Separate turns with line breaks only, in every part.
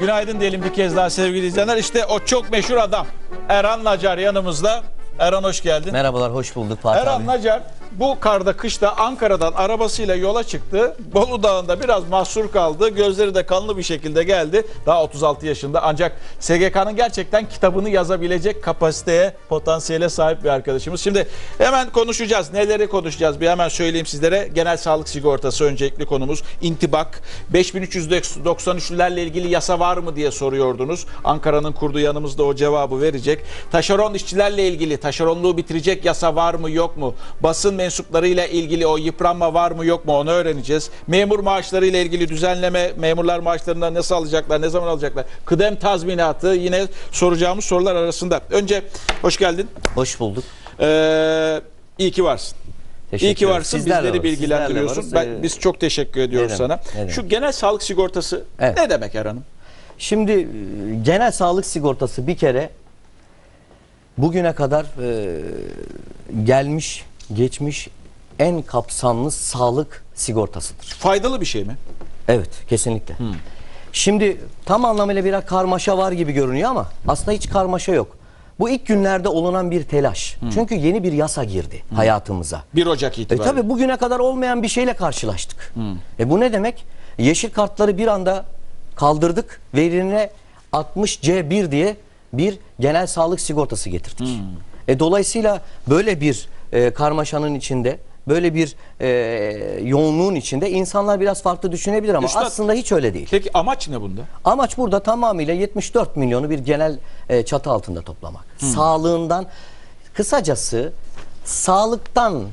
Günaydın diyelim bir kez daha sevgili izleyenler. İşte o çok meşhur adam Erhan Nacar yanımızda. Erhan hoş geldin.
Merhabalar, hoş bulduk Fatih
Erhan
abi.
Nacar bu karda kışta Ankara'dan arabasıyla yola çıktı. Bolu Dağı'nda biraz mahsur kaldı. Gözleri de kanlı bir şekilde geldi. Daha 36 yaşında ancak SGK'nın gerçekten kitabını yazabilecek kapasiteye, potansiyele sahip bir arkadaşımız. Şimdi hemen konuşacağız. Neleri konuşacağız? Bir hemen söyleyeyim sizlere. Genel sağlık sigortası öncelikli konumuz. İntibak. 5393'lülerle ilgili yasa var mı diye soruyordunuz. Ankara'nın kurduğu yanımızda o cevabı verecek. Taşeron işçilerle ilgili taşeronluğu bitirecek yasa var mı yok mu? Basın mensuplarıyla ilgili o yıpranma var mı yok mu onu öğreneceğiz. Memur maaşları ile ilgili düzenleme, memurlar maaşlarından nasıl alacaklar, ne zaman alacaklar? Kıdem tazminatı yine soracağımız sorular arasında. Önce hoş geldin.
Hoş bulduk.
İyi ki varsın. İyi ki varsın. Bizleri bilgilendiriyorsun. Biz çok teşekkür ediyoruz sana. Şu genel sağlık sigortası ne demek Erhan'ım?
Şimdi genel sağlık sigortası bir kere bugüne kadar gelmiş, geçmiş en kapsamlı sağlık sigortasıdır.
Faydalı bir şey mi?
Evet, kesinlikle. Şimdi tam anlamıyla biraz karmaşa var gibi görünüyor ama aslında hiç karmaşa yok. Bu ilk günlerde olunan bir telaş. Çünkü yeni bir yasa girdi hayatımıza.
1 Ocak itibariyle.
Tabii bugüne kadar olmayan bir şeyle karşılaştık. Bu ne demek? Yeşil kartları bir anda kaldırdık ve yerine 60C1 diye bir genel sağlık sigortası getirdik. Dolayısıyla böyle bir karmaşanın içinde, böyle bir yoğunluğun içinde insanlar biraz farklı düşünebilir ama
Üstad,
aslında hiç öyle değil.
Peki amaç ne bunda?
Amaç burada tamamıyla 74 milyonu bir genel çatı altında toplamak. Sağlığından, kısacası sağlıktan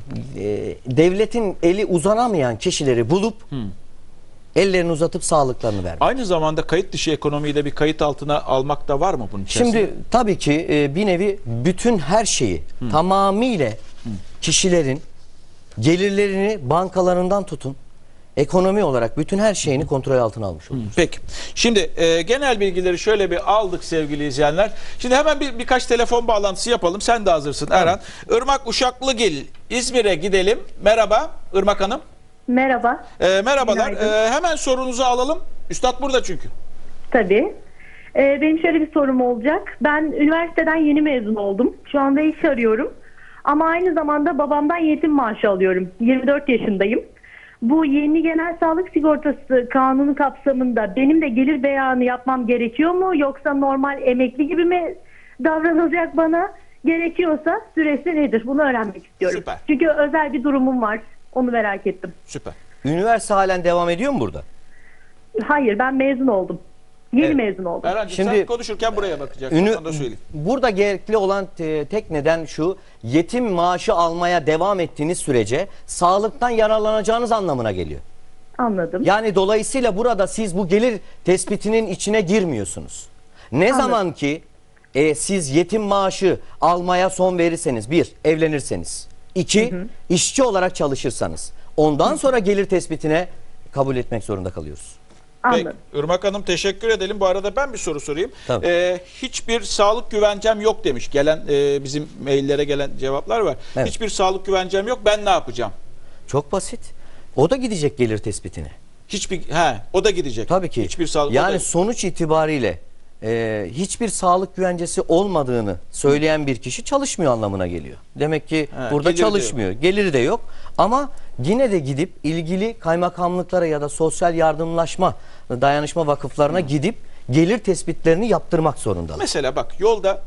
devletin eli uzanamayan kişileri bulup ellerini uzatıp sağlıklarını vermek.
Aynı zamanda kayıt dışı ekonomiyi de bir kayıt altına almak da var mı bunun içerisinde?
Şimdi tabii ki bir nevi bütün her şeyi tamamıyla kişilerin gelirlerini bankalarından tutun, ekonomi olarak bütün her şeyini kontrol altına almış oluyoruz.
Peki. Şimdi genel bilgileri şöyle bir aldık sevgili izleyenler. Şimdi hemen birkaç telefon bağlantısı yapalım. Sen de hazırsın Erhan. Irmak Uşaklıgil, İzmir'e gidelim. Merhaba Irmak Hanım.
Merhaba.
Merhabalar. Hemen sorunuzu alalım. Üstad burada çünkü.
Tabii. Benim şöyle bir sorum olacak. Ben üniversiteden yeni mezun oldum. Şu anda iş arıyorum. Ama aynı zamanda babamdan yetim maaşı alıyorum. 24 yaşındayım. Bu yeni genel sağlık sigortası kanunu kapsamında benim de gelir beyanı yapmam gerekiyor mu? Yoksa normal emekli gibi mi davranılacak bana? Gerekiyorsa süresi nedir? Bunu öğrenmek istiyorum.
Süper.
Çünkü özel bir durumum var. Onu merak ettim.
Süper.
Üniversite halen devam ediyor mu burada?
Hayır, ben mezun oldum. Yeni mezun oldum.
Erhan'cığım
Şimdi
sen konuşurken buraya bakacaksın. Onu da söyleyeyim.
Burada gerekli olan tek neden şu: yetim maaşı almaya devam ettiğiniz sürece sağlıktan yararlanacağınız anlamına geliyor.
Anladım.
Yani dolayısıyla burada siz bu gelir tespitinin içine girmiyorsunuz. Ne zaman ki siz yetim maaşı almaya son verirseniz, bir, evlenirseniz, iki, işçi olarak çalışırsanız, ondan sonra gelir tespitine kabul etmek zorunda kalıyoruz.
Peki,
Anladım.
Irmak Hanım teşekkür edelim. Bu arada ben bir soru sorayım.
Hiçbir
sağlık güvencem yok demiş. Gelen bizim maillere gelen cevaplar var.
Evet.
Hiçbir sağlık güvencem yok. Ben ne yapacağım?
Çok basit. O da gidecek gelir tespitine.
O da gidecek.
Tabii ki.
Hiçbir sağlık
yani sonuç itibariyle hiçbir sağlık güvencesi olmadığını söyleyen bir kişi çalışmıyor anlamına geliyor. Demek ki burada çalışmıyor. Geliri de yok. Ama yine de gidip ilgili kaymakamlıklara ya da sosyal yardımlaşma, dayanışma vakıflarına gidip gelir tespitlerini yaptırmak zorundalar.
Mesela bak yolda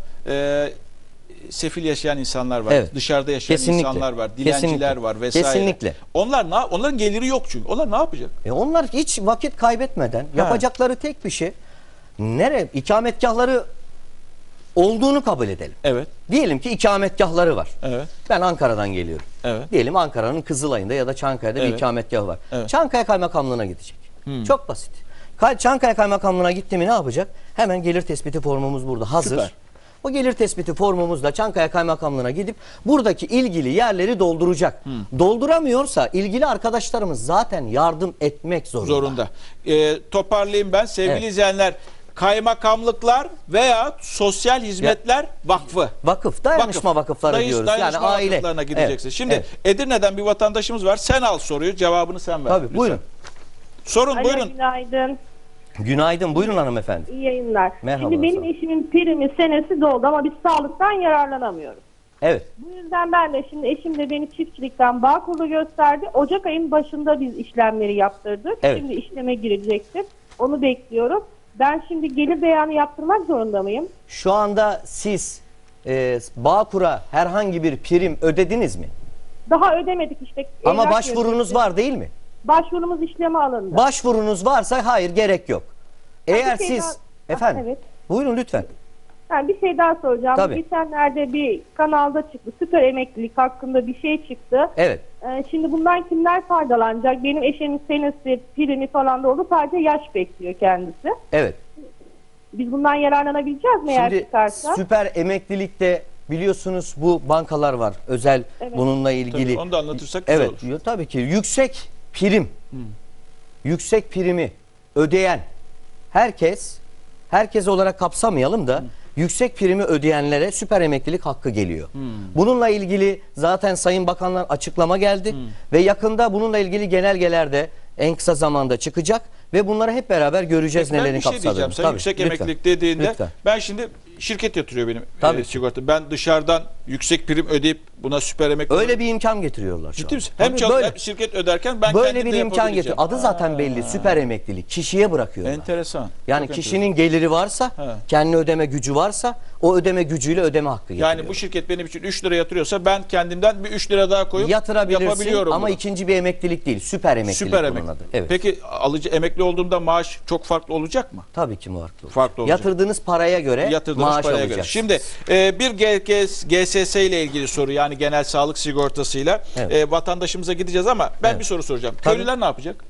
sefil yaşayan insanlar var.
Evet.
Dışarıda yaşayan insanlar var. Dilenciler var vesaire.
Kesinlikle.
Onların geliri yok çünkü. Onlar ne yapacak?
Onlar hiç vakit kaybetmeden yapacakları tek bir şey, ikametgahları olduğunu kabul edelim.
Evet.
Diyelim ki ikametgahları var.
Evet.
Ben Ankara'dan geliyorum.
Evet.
Diyelim Ankara'nın Kızılay'ında ya da Çankaya'da bir ikametgahı var.
Evet.
Çankaya Kaymakamlığı'na gidecek. Çok basit. Çankaya Kaymakamlığı'na gitti mi ne yapacak? Hemen gelir tespiti formumuz burada hazır.
Süper.
O gelir tespiti formumuzla Çankaya Kaymakamlığı'na gidip buradaki ilgili yerleri dolduracak. Dolduramıyorsa ilgili arkadaşlarımız zaten yardım etmek zorunda.
Toparlayayım ben sevgili izleyenler. Kaymakamlıklar veya sosyal hizmetler vakfı.
Vakıf, dayanışma vakıfları diyoruz.
Dayanışma
yani aile.
vakıflarına gideceksin.
Evet.
Şimdi Edirne'den bir vatandaşımız var. Sen al soruyu, cevabını sen ver.
Tabii,
lütfen.
buyurun.
Sorun,
Alo,
buyurun.
günaydın.
Günaydın. Buyurun hanımefendi.
İyi yayınlar.
Merhaba,
Şimdi benim
sağ olun.
eşimin primi senesi doldu ama biz sağlıktan yararlanamıyoruz.
Evet.
Bu yüzden ben de şimdi eşim de beni çiftçilikten Bağkur'da gösterdi. Ocak ayının başında biz işlemleri yaptırdık.
Evet.
Şimdi işleme girecektir. Onu bekliyorum. Ben şimdi gelir beyanı yaptırmak zorunda mıyım?
Şu anda siz Bağkur'a herhangi bir prim ödediniz mi?
Daha ödemedik işte.
Ama
Evrak
başvurunuz
yazısı.
var değil mi?
Başvurumuz işleme alındı.
Başvurunuz varsa hayır, gerek yok. Eğer
bir şey
siz
daha-
efendim
Evet.
buyurun lütfen.
Yani bir şey daha soracağım.
Tabii.
Geçenlerde bir kanalda çıktı. Süper emeklilik hakkında bir şey çıktı.
Evet.
Şimdi bundan kimler faydalanacak? Benim eşimin senesi, primi falan da oldu. Sadece yaş bekliyor kendisi.
Evet.
Biz bundan yararlanabileceğiz mi eğer
Şimdi
çıkarsa?
süper emeklilikte biliyorsunuz bu bankalar var. Özel
Evet.
bununla ilgili.
Tabii, onu da anlatırsak güzel
Evet.
olur.
Tabii ki yüksek prim. Yüksek primi ödeyen herkes olarak kapsamayalım da yüksek primi ödeyenlere süper emeklilik hakkı geliyor. Bununla ilgili zaten Sayın Bakanlar açıklama geldi ve yakında bununla ilgili genelgelerde en kısa zamanda çıkacak ve bunları hep beraber göreceğiz
Ben
nelerin
bir şey
kapsadığını.
diyeceğim. Sen
Tabii,
yüksek
lütfen.
emeklilik dediğinde
Lütfen.
ben şimdi şirket yatırıyor benim
Tabii.
sigorta. Ben dışarıdan yüksek prim ödeyip buna süper emeklilik.
Öyle bir imkan getiriyorlar şu
Ciddi
an.
misin? Hem
Tabii, böyle.
hem şirket öderken ben
Böyle
kendim
bir
de
imkan
yapabileceğim.
getiriyor. Adı zaten belli. Süper emeklilik. Kişiye bırakıyorlar.
Enteresan.
Yani
Çok
kişinin geliri varsa, kendi ödeme gücü varsa o ödeme gücüyle ödeme hakkı getiriyor.
Yani bu şirket benim için 3 lira yatırıyorsa ben kendimden bir 3 lira daha koyup
yatırabilirsin
yapabiliyorum
ama
bunu.
ikinci bir emeklilik değil. Süper emeklilik
Süper
bunun
emeklilik.
adı. Evet.
Peki alıcı emekli olduğumda maaş çok farklı olacak mı?
Tabii ki farklı.
Farklı olacak.
Yatırdığınız paraya göre
Yatırdığınız
maaş
paraya göre.
alacaksınız.
Şimdi bir GSS ile ilgili soru, yani genel sağlık sigortasıyla
Evet.
vatandaşımıza gideceğiz ama ben
Evet.
bir soru soracağım.
Tabii.
Köylüler ne yapacak?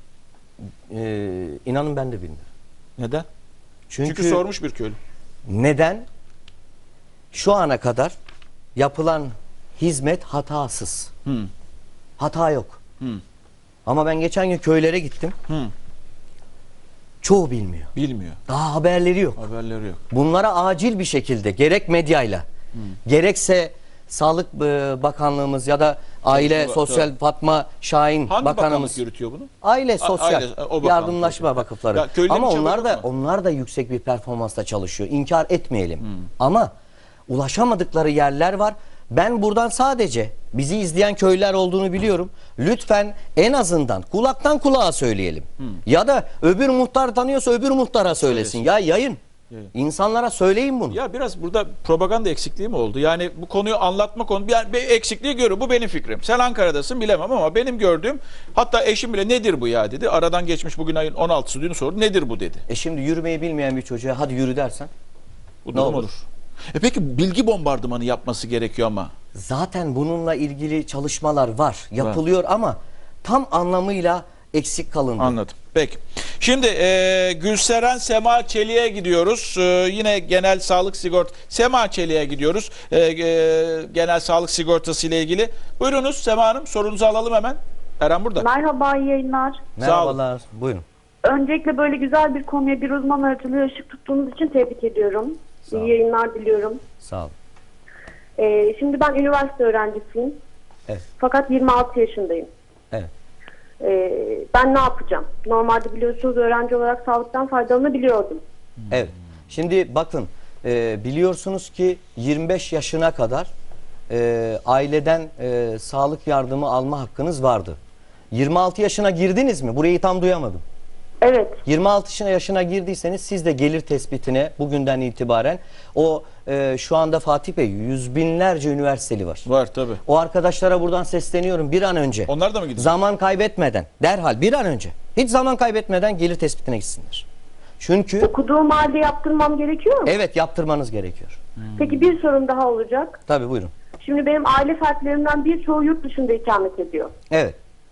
İnanın ben de bilmiyorum.
Neden?
Çünkü,
Çünkü sormuş bir köylü.
neden? Şu ana kadar yapılan hizmet hatasız. Hata yok. Ama ben geçen gün köylere gittim. Çoğu bilmiyor.
Bilmiyor.
Daha haberleri yok.
Haberleri yok.
Bunlara acil bir şekilde gerek medyayla gerekse Sağlık Bakanlığımız ya da Aile
Tabii.
Sosyal Fatma Şahin
Hangi
Bakanımız,
bakanlık yürütüyor bunu?
Aile Sosyal
Aile, o bakanlık.
Yardımlaşma Vakıfları.
Ya köylülerin
Ama
hiç
onlar
haberi
da
yok mu?
onlar da yüksek bir performansla çalışıyor. İnkar etmeyelim. Ama ulaşamadıkları yerler var. Ben buradan sadece bizi izleyen köylüler olduğunu biliyorum. Lütfen en azından kulaktan kulağa söyleyelim. Ya da öbür muhtar tanıyorsa öbür muhtara söylesin. Ya yayın. İnsanlara söyleyin bunu.
Ya biraz burada propaganda eksikliği mi oldu? Yani bu konuyu anlatma konu yani bir eksikliği görüyor. Bu benim fikrim. Sen Ankara'dasın bilemem ama benim gördüğüm, hatta eşim bile nedir bu ya dedi. Aradan geçmiş, bugün ayın 16'sı, dün sordu. Nedir bu dedi.
Şimdi yürümeyi bilmeyen bir çocuğa hadi yürü dersen
Bu
ne
durum
olur?
Peki bilgi bombardımanı yapması gerekiyor ama.
Zaten bununla ilgili çalışmalar var. Yapılıyor ama tam anlamıyla eksik kalındı.
Anladım. Peki. Şimdi Gülseren Sema Çelik'e gidiyoruz. Yine genel sağlık Sema Çelik'e gidiyoruz. Genel sağlık sigortası ile ilgili. Buyurunuz Sema Hanım, sorunuzu alalım hemen. Eren burada.
Merhaba, iyi yayınlar.
Merhabalar. Buyurun.
Öncelikle böyle güzel bir konuya bir uzman aracılığı ışık tuttuğunuz için tebrik ediyorum.
Sağ olun.
İyi yayınlar diliyorum.
Sağ olun.
Şimdi ben üniversite öğrencisiyim.
Evet.
Fakat 26 yaşındayım.
Evet.
Ben ne yapacağım? Normalde biliyorsunuz öğrenci olarak sağlıktan faydalanabiliyordum.
Evet. Şimdi bakın biliyorsunuz ki 25 yaşına kadar aileden sağlık yardımı alma hakkınız vardı. 26 yaşına girdiniz mi? Burayı tam duyamadım.
Evet.
26 yaşına girdiyseniz siz de gelir tespitine bugünden itibaren şu anda Fatih Bey yüz binlerce üniversiteli var.
Var tabii.
O arkadaşlara buradan sesleniyorum bir an önce.
Onlar da mı gidiyor?
Zaman kaybetmeden derhal bir an önce hiç zaman kaybetmeden gelir tespitine gitsinler. Çünkü
Okuduğum halde yaptırmam gerekiyor mu?
evet yaptırmanız gerekiyor.
Peki bir sorum daha olacak.
Tabii buyurun.
Şimdi benim aile fertlerimden birçoğu yurt dışında ikamet ediyor.
Evet.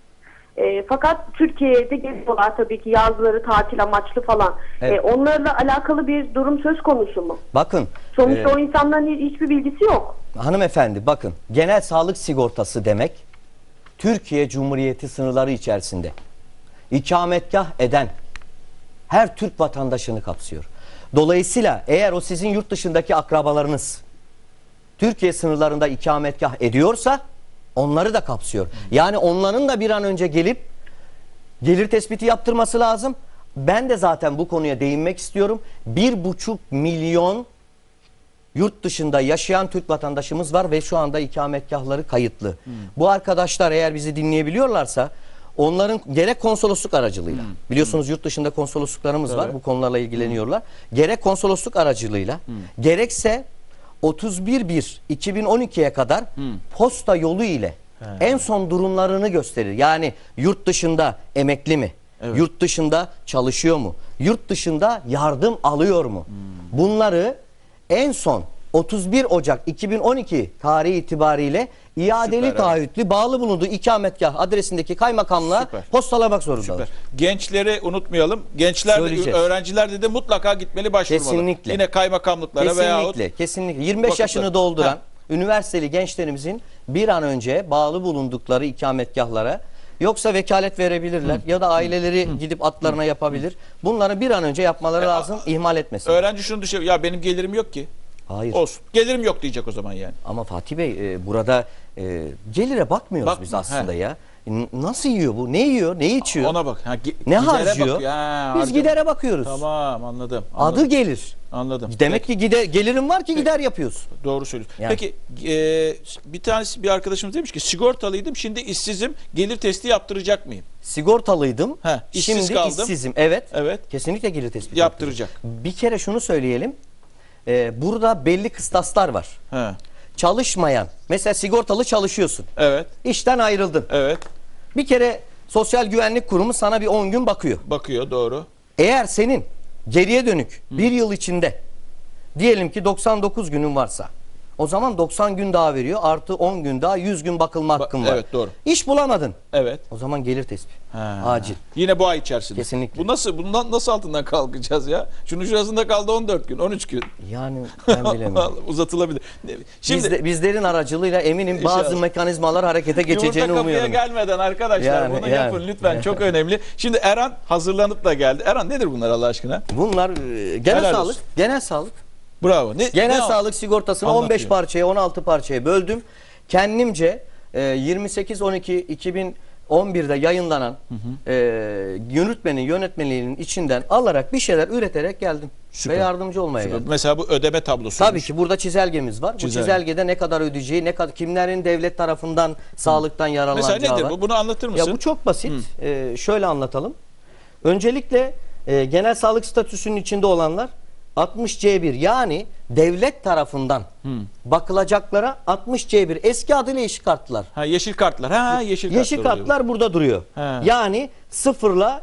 Fakat Türkiye'de geliyorlar tabii ki yazları tatil amaçlı falan.
Evet.
Onlarla alakalı bir durum söz konusu mu?
Bakın
Sonuçta o insanların hiçbir bilgisi yok.
hanımefendi bakın genel sağlık sigortası demek Türkiye Cumhuriyeti sınırları içerisinde ikametgah eden her Türk vatandaşını kapsıyor. Dolayısıyla eğer o sizin yurt dışındaki akrabalarınız Türkiye sınırlarında ikametgah ediyorsa onları da kapsıyor. Yani onların da bir an önce gelip gelir tespiti yaptırması lazım. ben de zaten bu konuya değinmek istiyorum. 1,5 milyon yurt dışında yaşayan Türk vatandaşımız var ve şu anda ikametgahları kayıtlı. Bu arkadaşlar eğer bizi dinleyebiliyorlarsa onların gerek konsolosluk aracılığıyla, biliyorsunuz yurt dışında konsolosluklarımız var, bu konularla ilgileniyorlar. Gerek konsolosluk aracılığıyla, gerekse 31/1/2012'ye kadar posta yolu ile en son durumlarını gösterir. Yani yurt dışında emekli mi? Yurt dışında çalışıyor mu? Yurt dışında yardım alıyor mu? Bunları en son 31 Ocak 2012 tarihi itibariyle iadeli
Süper,
taahhütlü bağlı bulunduğu ikametgah adresindeki kaymakamlığa
Süper.
postalamak zorundalar.
Gençleri unutmayalım. Gençler,
Söyleyeceğiz.
öğrenciler de mutlaka gitmeli, başvurmalı.
Kesinlikle.
Yine kaymakamlıklara veyahut
Kesinlikle. 25
vakıflar.
yaşını dolduran
Ha.
üniversiteli gençlerimizin bir an önce bağlı bulundukları ikametgahlara, yoksa vekalet verebilirler ya da aileleri gidip atlarına yapabilir. Bunları bir an önce yapmaları lazım, ihmal etmesin.
öğrenci şunu düşünüyor. Ya benim gelirim yok ki.
Hayır.
Olsun. Gelirim yok diyecek o zaman yani.
Ama Fatih Bey burada gelire bakmıyoruz
Bak-
biz aslında ya. Nasıl yiyor bu? Ne yiyor? Ne içiyor?
Ona bak. Ha,
ne
gidere
harcıyor?
bakıyor. Ha,
Biz
harcıyor.
gidere bakıyoruz.
Tamam, anladım.
Adı gelir.
Anladım.
Demek ki gelirim var ki gider yapıyoruz.
Doğru söylüyorsun.
Yani.
Peki bir arkadaşımız demiş ki sigortalıydım, şimdi işsizim, gelir testi yaptıracak mıyım?
Sigortalıydım.
He, işsiz
Şimdi
kaldım.
işsizim. Evet.
Evet.
Kesinlikle gelir tespiti
Yaptıracak.
Bir kere şunu söyleyelim. Burada belli kıstaslar var.
He.
Çalışmayan, mesela sigortalı çalışıyorsun.
Evet.
İşten ayrıldın.
Evet.
Bir kere Sosyal Güvenlik Kurumu sana bir 10 gün bakıyor.
Bakıyor, doğru.
Eğer senin geriye dönük bir yıl içinde diyelim ki 99 günün varsa, o zaman 90 gün daha veriyor, artı 10 gün daha 100 gün bakılma hakkın var.
Evet, doğru.
İş bulamadın.
Evet.
O zaman gelir tespit.
Ha.
Acil.
Yine bu ay içerisinde.
Kesinlikle.
Bundan nasıl altından kalkacağız ya? Şunun şurasında kaldı 14 gün, 13 gün.
Yani ben bilemiyorum.
Uzatılabilir. Şimdi
Bizlerin aracılığıyla eminim bazı
İnşallah.
mekanizmalar harekete geçeceğini
yumurta kapıya
umuyorum.
gelmeden arkadaşlar bunu yapın lütfen. Çok önemli. Şimdi Erhan hazırlanıp da geldi. Erhan, nedir bunlar Allah aşkına?
Bunlar genel
Helal
sağlık.
olsun.
Genel sağlık.
Bravo.
Genel sağlık sigortasını
Anlatıyor.
15 parçaya, 16 parçaya böldüm. Kendimce 28-12-2011'de yayınlanan yürütmenin yönetmeliğinin içinden alarak bir şeyler üreterek geldim.
Süper.
Ve yardımcı olmaya geldim.
Mesela bu ödeme tablosu.
Tabii ki burada çizelgemiz var. Bu
Çizelge.
çizelgede ne kadar ödeyeceği, ne kadar kimlerin devlet tarafından sağlıktan yararlanacağı
Mesela nedir
var.
bu? Bunu anlatır mısın?
Ya bu çok basit. Şöyle anlatalım. Öncelikle genel sağlık statüsünün içinde olanlar 60C1, yani devlet tarafından bakılacaklara 60C1, eski adıyla yeşil kartlar.
Ha, yeşil kartlar. Ha, yeşil kartlar.
Yeşil
oluyor.
kartlar burada duruyor.
He.
Yani 0'la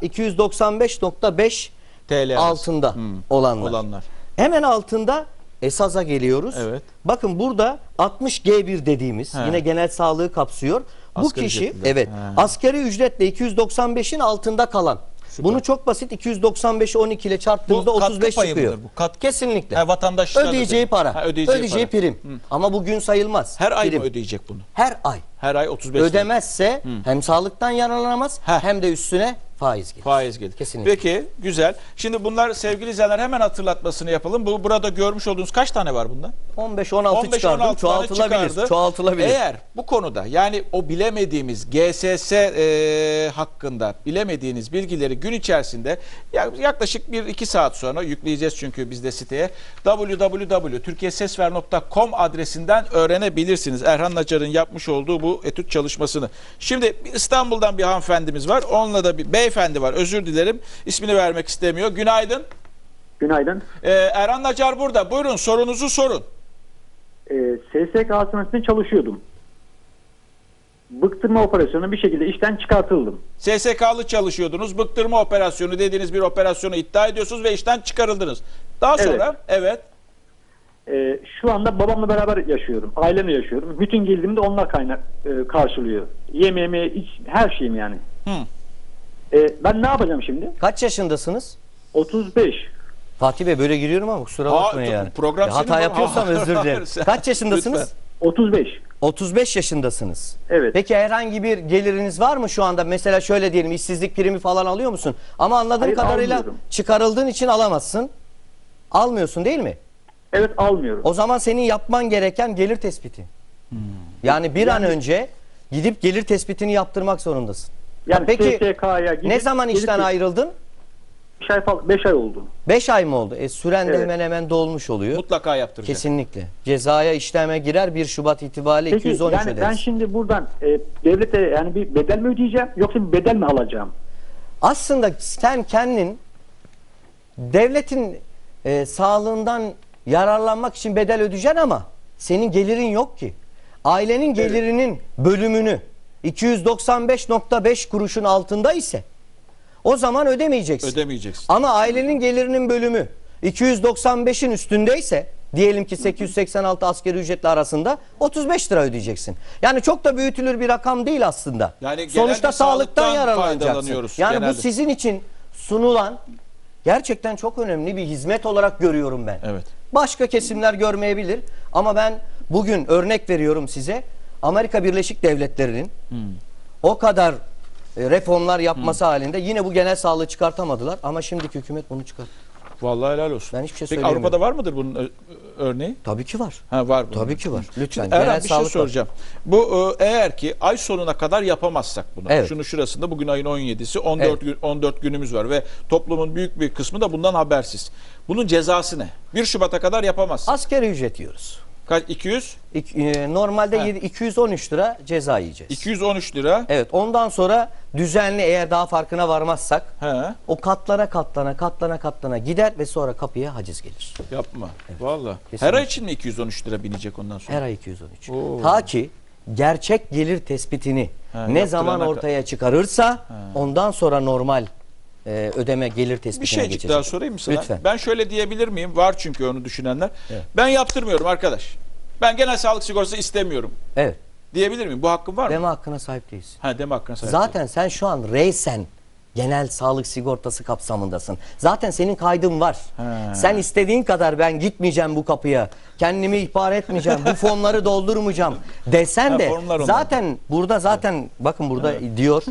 295.5
TL
altında olanlar.
olanlar.
Hemen altında esaza geliyoruz.
Evet.
Bakın burada 60G1 dediğimiz,
He.
yine genel sağlığı kapsıyor. Bu
Asgari
kişi
ücretliler.
evet
He.
asgari ücretle 295'in altında kalan. Bunu çok basit 295'i 12 ile çarptığımızda
Bu katkı
35
payı
çıkıyor.
mıdır bu?
Kesinlikle.
Ha, vatandaşlar
Ödeyeceği para.
Ha,
ödeyeceği
para.
prim. Ama bu gün sayılmaz.
Her ay
prim.
mı ödeyecek bunu?
Her ay.
Her ay 35 lira.
Ödemezse hem sağlıktan yararlanamaz hem de üstüne faiz gelir.
Faiz gelir.
Kesinlikle.
Peki, güzel. Şimdi bunlar sevgili izleyenler, hemen hatırlatmasını yapalım. Burada görmüş olduğunuz kaç tane var bundan?
15-16 çıkardım.
15-16 tane
Çoğaltılabilir.
çıkardı.
Çoğaltılabilir.
Eğer bu konuda, yani o bilemediğimiz GSS hakkında bilemediğiniz bilgileri gün içerisinde yaklaşık 1-2 saat sonra yükleyeceğiz, çünkü biz de siteye www.turkiyesesver.com adresinden öğrenebilirsiniz. Erhan Nacar'ın yapmış olduğu bu etüt çalışmasını. Şimdi İstanbul'dan bir hanımefendimiz var. Onunla da bir beyefendi var. Özür dilerim. İsmini vermek istemiyor. Günaydın.
Günaydın.
Erhan Nacar burada. Buyurun, sorunuzu sorun.
SSK hastanesinde çalışıyordum. Bıktırma operasyonu bir şekilde işten çıkartıldım.
SSK'lı çalışıyordunuz. Bıktırma operasyonu dediğiniz bir operasyonu iddia ediyorsunuz ve işten çıkarıldınız. Daha sonra evet.
Şu anda babamla beraber yaşıyorum. Ailemle yaşıyorum. Bütün gelirimi de onlar karşılıyor. Yemeğimi, her şeyim yani. Ben ne yapacağım şimdi?
Kaç yaşındasınız?
35.
Fatih Bey, böyle giriyorum ama kusura bakmayın yani.
program
Hata
senin-
yapıyorsam özür dilerim.
Sen-
Kaç yaşındasınız?
Lütfen.
35.
35 yaşındasınız.
Evet.
Peki herhangi bir geliriniz var mı şu anda? Mesela şöyle diyelim, işsizlik primi falan alıyor musun? Ama anladığım
Hayır,
kadarıyla
almıyorum.
çıkarıldığın için alamazsın. Almıyorsun değil mi?
Evet, almıyorum.
O zaman senin yapman gereken gelir tespiti. Yani bir an önce gidip gelir tespitini yaptırmak zorundasın.
Yani
Peki
SSK'ya gidip
ne zaman işten
gelip-
ayrıldın?
5 ay oldu.
5 ay mı oldu? Süren de
Evet.
hemen hemen dolmuş oluyor.
Mutlaka yaptıracak.
Kesinlikle. Cezaya işleme girer 1 Şubat itibariyle
Peki
213
yani
öderiz.
ben şimdi buradan devlete yani bir bedel mi ödeyeceğim yoksa bir bedel mi alacağım?
Aslında sen kendin devletin sağlığından yararlanmak için bedel ödeyeceksin ama senin gelirin yok ki. Ailenin gelirinin bölümünü 295.5 kuruşun altında ise o zaman ödemeyeceksin.
Ödemeyeceksin.
Ama ailenin gelirinin bölümü 295'in üstündeyse diyelim ki 886 asgari ücretle arasında 35 lira ödeyeceksin. Yani çok da büyütülür bir rakam değil aslında.
Yani genelde
sonuçta sağlıktan
sağlıktan
yararlanacaksın.
faydalanıyoruz
Yani
genelde.
bu sizin için sunulan gerçekten çok önemli bir hizmet olarak görüyorum ben.
Evet.
Başka kesimler görmeyebilir ama ben bugün örnek veriyorum size. Amerika Birleşik Devletleri'nin o kadar reformlar yapması halinde yine bu genel sağlığı çıkartamadılar ama şimdiki hükümet bunu çıkart.
Vallahi helal olsun.
Ben hiçbir şey
Peki
söyleyemiyorum.
Avrupa'da var mıdır bunun örneği?
Tabii ki var.
Ha, var bunun.
Tabii ki var. Lütfen.
Erhan,
genel
bir şey
sağlık var.
soracağım. Bu eğer ki ay sonuna kadar yapamazsak bunu.
Evet.
Şunu şurasında bugün ayın 17'si 14
Evet.
14 günümüz var ve toplumun büyük bir kısmı da bundan habersiz. Bunun cezası ne? 1 Şubat'a kadar yapamazsın.
Asgari ücret yiyoruz.
Kaç 200?
Normalde
Ha.
213 lira ceza yiyeceğiz.
213 lira.
Evet, ondan sonra düzenli eğer daha farkına varmazsak
He.
o katlana gider ve sonra kapıya haciz gelir.
Yapma. Vallahi. Her
Kesinlikle.
ay için mi 213 lira binecek ondan sonra?
Her ay 213.
Oo.
Ta ki gerçek gelir tespitini
Ha,
ne
yaptırana
zaman
kadar.
ortaya çıkarırsa ondan sonra normal ödeme gelir tespitine
Bir şeycik
geçecek.
daha sorayım mı sana?
Lütfen.
Ben şöyle diyebilir miyim? Var çünkü onu düşünenler.
Evet.
Ben yaptırmıyorum arkadaş. Ben genel sağlık sigortası istemiyorum.
Evet.
Diyebilir miyim? Bu hakkım var mı?
Deme hakkına sahip değilsin.
Ha, deme hakkına sahip.
Zaten sen şu an reysen genel sağlık sigortası kapsamındasın. Zaten senin kaydın var.
He.
Sen istediğin kadar ben gitmeyeceğim bu kapıya. Kendimi ihbar etmeyeceğim. Bu formları doldurmayacağım desen
Ha,
de
formlar onlar.
zaten burada bakın burada diyor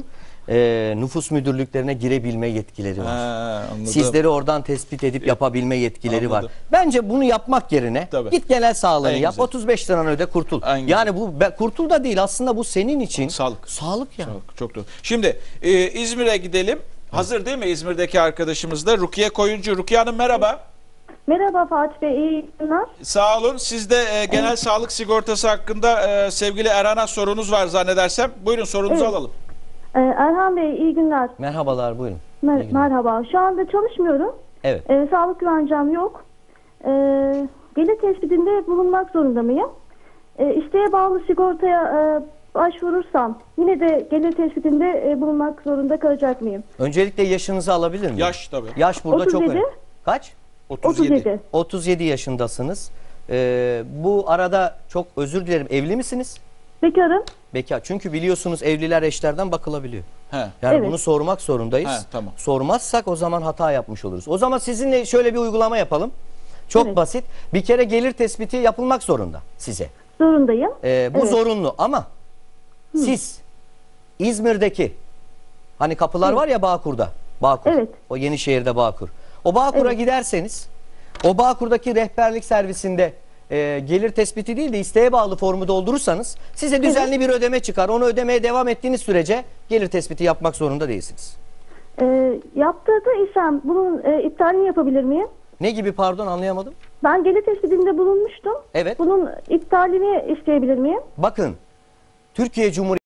nüfus müdürlüklerine girebilme yetkileri var.
Ha, anladım.
Sizleri oradan tespit edip yapabilme yetkileri
Anladım.
var. Bence bunu yapmak yerine
Tabii.
git genel sağlığını
En
yap.
güzel.
35 liranı öde kurtul.
En güzel.
Yani bu kurtul da değil aslında bu senin için
Sağlık.
Sağlık yani.
Çok, çok doğru. Şimdi İzmir'e gidelim. Hazır değil mi İzmir'deki arkadaşımız da? Rukiye Koyuncu. Rukiye Hanım merhaba.
Merhaba Fatih Bey, iyi günler.
Sağ olun. Siz de genel sağlık sigortası hakkında sevgili Erhan'a sorunuz var zannedersem. Buyurun sorunuzu
Evet.
alalım.
Erhan Bey, iyi günler.
Merhabalar buyurun. İyi günler.
Merhaba. Şu anda çalışmıyorum.
Evet.
Sağlık güvencem yok. Gelir tespitinde bulunmak zorunda mıyım? İsteğe bağlı sigortaya başvurursam yine de gelir tespitinde bulunmak zorunda kalacak mıyım?
Öncelikle yaşınızı alabilir miyim?
Yaş tabii.
Yaş burada çok
37.
önemli. Kaç?
37.
37 yaşındasınız. Bu arada çok özür dilerim. Evli misiniz?
Bekarım.
Bekar. Çünkü biliyorsunuz evliler eşlerden bakılabiliyor.
He.
Yani
Evet.
bunu sormak zorundayız.
He, tamam.
Sormazsak o zaman hata yapmış oluruz. O zaman sizinle şöyle bir uygulama yapalım. Çok
Evet.
basit. Bir kere gelir tespiti yapılmak zorunda size.
Zorundayım.
Bu
Evet.
zorunlu ama siz İzmir'deki hani kapılar var ya Bağkur'da. Bağkur.
Evet.
O Yenişehir'de Bağkur. O Bağkur'a
Evet.
giderseniz o Bağkur'daki rehberlik servisinde gelir tespiti değil de isteğe bağlı formu doldurursanız size düzenli bir ödeme çıkar. Onu ödemeye devam ettiğiniz sürece gelir tespiti yapmak zorunda değilsiniz.
Yaptırdıysam bunun iptalini yapabilir miyim?
Ne gibi pardon anlayamadım.
Ben gelir tespitinde bulunmuştum.
Evet.
Bunun iptalini isteyebilir miyim?
Bakın Türkiye Cumhuriyeti